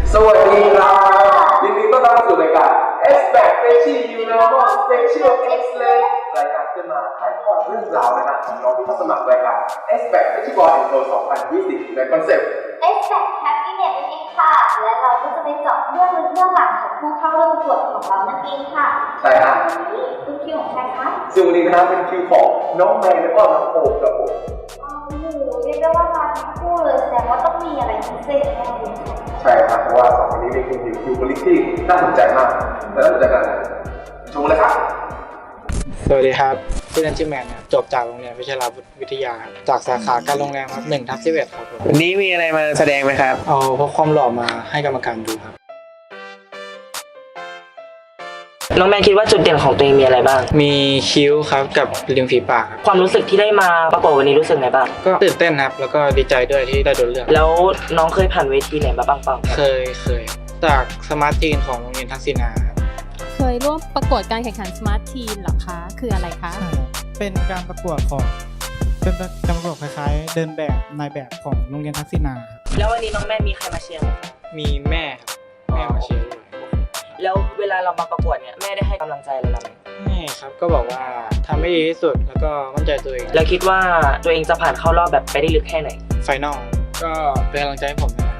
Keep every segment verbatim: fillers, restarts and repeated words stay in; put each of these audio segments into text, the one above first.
สวัสดีครับยินดีต้อนรับสู่รายการ Expert Freshie You Normal Special Excellent รายการที่มาถ่ายทอดเรื่องราวนะครับของน้องที่เข้าสมัครรายการ Expert Freshie Boy and Girl สองพันยี่สิบในคอนเซ็ปต์ Expert Happiness นั่นเองค่ะและเราก็จะไปเจาะเรื่องลึกเรื่องหลังของผู้เข้าร่วมประกวดของเรานั่นเองค่ะใช่ครับนี่คือคิวของใครคะซึ่งวันนี้นะครับเป็นคิวของน้องแมนและก็น้องโอ๊คครับผมโอ้โหเรียกได้ว่ามาทั้งคู่เลยแสดงว่าต้องมีอะไรพิเศษแน่เลยใช่ครับเพราะว่าสองคนนี้เป็นคิวคิวบริที่น่าสนใจมากและน่าสนใจกันชมเลยครับสวัสดีครับชื่อเล่นชื่อแมนครับจบจากโรงเรียนวิชาลาวิทยาจากสาขาการโรงแรมครับหนึ่งทับสิบเอ็ดครับผมวันนี้มีอะไรมาแสดงไหมครับเอาพวกความหล่อมาให้กรรมการดูครับน้องแมนคิดว่าจุดเด่นของตัวเองมีอะไรบ้างมีคิ้วครับกับริมฝีปากครับความรู้สึกที่ได้มาประกวดวันนี้รู้สึกไงบ้างก็ตื่นเต้นครับแล้วก็ดีใจด้วยที่ได้โดนเลือกแล้วน้องเคยผ่านเวทีไหนมาบ้างเปล่าเคยเคยจากสมาร์ททีนของโรงเรียนทักษิณาเคยร่วมประกวดการแข่งขัน Smart Teen เหรอคะคืออะไรคะใช่เป็นการประกวดของเป็นการประกวดคล้ายๆเดินแบบนายแบบของโรงเรียนทักษิณาแล้ววันนี้น้องแม่มีใครมาเชียร์ไหมครับมีแม่ครับแม่มาเชียร์ด้วยแล้วเวลาเรามาประกวดเนี่ยแม่ได้ให้กำลังใจอะไรเราไหมไม่ครับก็บอกว่าทำให้ดีที่สุดแล้วก็มั่นใจตัวเองแล้วคิดว่าตัวเองจะผ่านเข้ารอบแบบไปได้ลึกแค่ไหนไฟนอลก็เป็นกำลังใจให้ผมนะครับ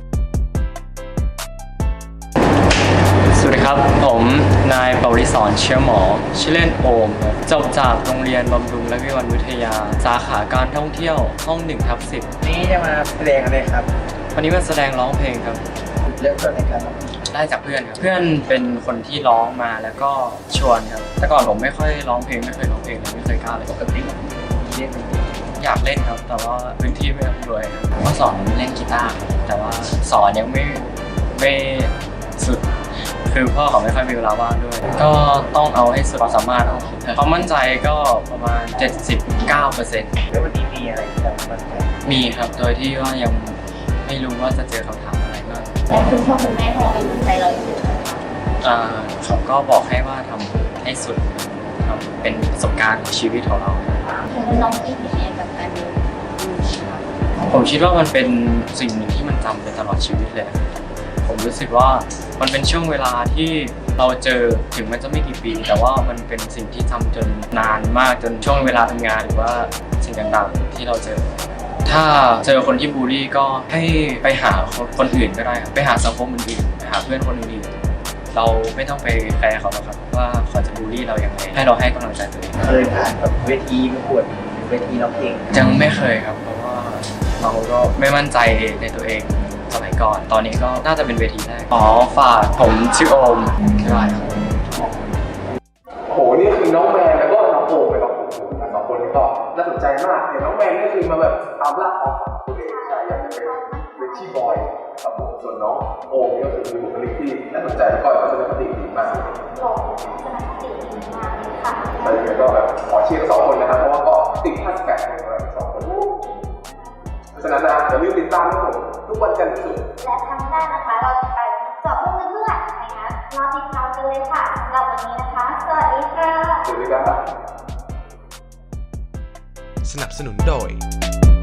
สวัสดีครับผมนายปวริศรเชื้อหมอชื่อเล่นโอมจบจากโรงเรียนบำรุงและวิวัฒน์วิทยาสาขาการท่องเที่ยวห้องหนึ่งทับสิบนี่จะมาแสดงอะไรครับวันนี้มาแสดงร้องเพลงครับเริ่มต้นในการร้องได้จากเพื่อนครับเพื่อนเป็นคนที่ร้องมาแล้วก็ชวนครับแต่ก่อนผมไม่ค่อยร้องเพลงไม่เคยร้องเพลงเลยไม่เคยกล้าเลยปกติเล่นอยากเล่นครับแต่ว่าพื้นที่ไม่อำนวยผมก็สอนเล่นกีตาร์แต่ว่าสอนยังไม่ไม่สุดคือพ่อเขาไม่ค่อยมีเวลาว่างด้วยก็ต้องเอาให้สุดความสามารถเอาความมั่นใจก็ประมาณ เจ็ดสิบเก้าเปอร์เซ็นต์แล้ววันนี้มีอะไรที่เรามั่นใจมีครับโดยที่ว่ายังไม่รู้ว่าจะเจอคำถามอะไรบ้างแล้วคุณพ่อคุณแม่ให้กำลังใจเราอยู่ไหมอ่าเขาก็บอกให้ว่าทำให้สุดทำเป็นประสบการณ์ของชีวิตของเราน้องคิดยังไงกับการดูผมคิดว่ามันเป็นสิ่งหนึ่งที่มันจำไปตลอดชีวิตเลยผมรู้สึกว่ามันเป็นช่วงเวลาที่เราเจอถึงมันจะไม่กี่ปีแต่ว่ามันเป็นสิ่งที่จำจนนานมากจนช่วงเวลาทำงานหรือว่าสิ่งต่างๆที่เราเจอถ้าเจอคนที่บูลลี่ก็ให้ไปหาคนอื่นก็ได้ครับไปหาสังคมอื่นๆไปหาเพื่อนคนอื่นๆเราไม่ต้องไปแคร์เขาหรอกครับว่าเขาจะบูลลี่เราอย่างไรให้เราให้กำลังใจตัวเองเคยผ่านแบบเวทีประกวดเวทีร้องเพลงยังไม่เคยครับเพราะว่าเราก็ไม่มั่นใจในตัวเองสมัยก่อนตอนนี้ก็น่าจะเป็นเวทีแรกอ๋อฝากผมชื่อโอมใช่ครับโหนี่คือน้องแมนแล้วก็น้องโอมเลยครับผมสองคนนี้ก็น่าสนใจมากเห็นน้องแมนนี่คือมาแบบตามล่าความฝันตัวเองใช่อยากจะเป็นเวทีบอยครับผมส่วนน้องโอมนี่ก็คือมีบุคลิกที่น่าสนใจแล้วก็ทัศนคติดีมากหล่อทัศนคติดีมากเลยค่ะใช่เลยก็แบบขอเชียร์ทั้งสองคนนะครับเพราะว่าก็ติดแฮชแท็กในทั้งสองคนเพราะฉะนั้นนะอย่าลืมติดตามนะผมทุกวันจันทร์ถึงศุกร์และครั้งหน้านะคะเราจะไปเจาะเรื่องลึกเรื่องหลังใครนะรอติดตามกันเลยค่ะสำหรับวันนี้นะคะสวัสดีค่ะสวัสดีครับสนับสนุนโดย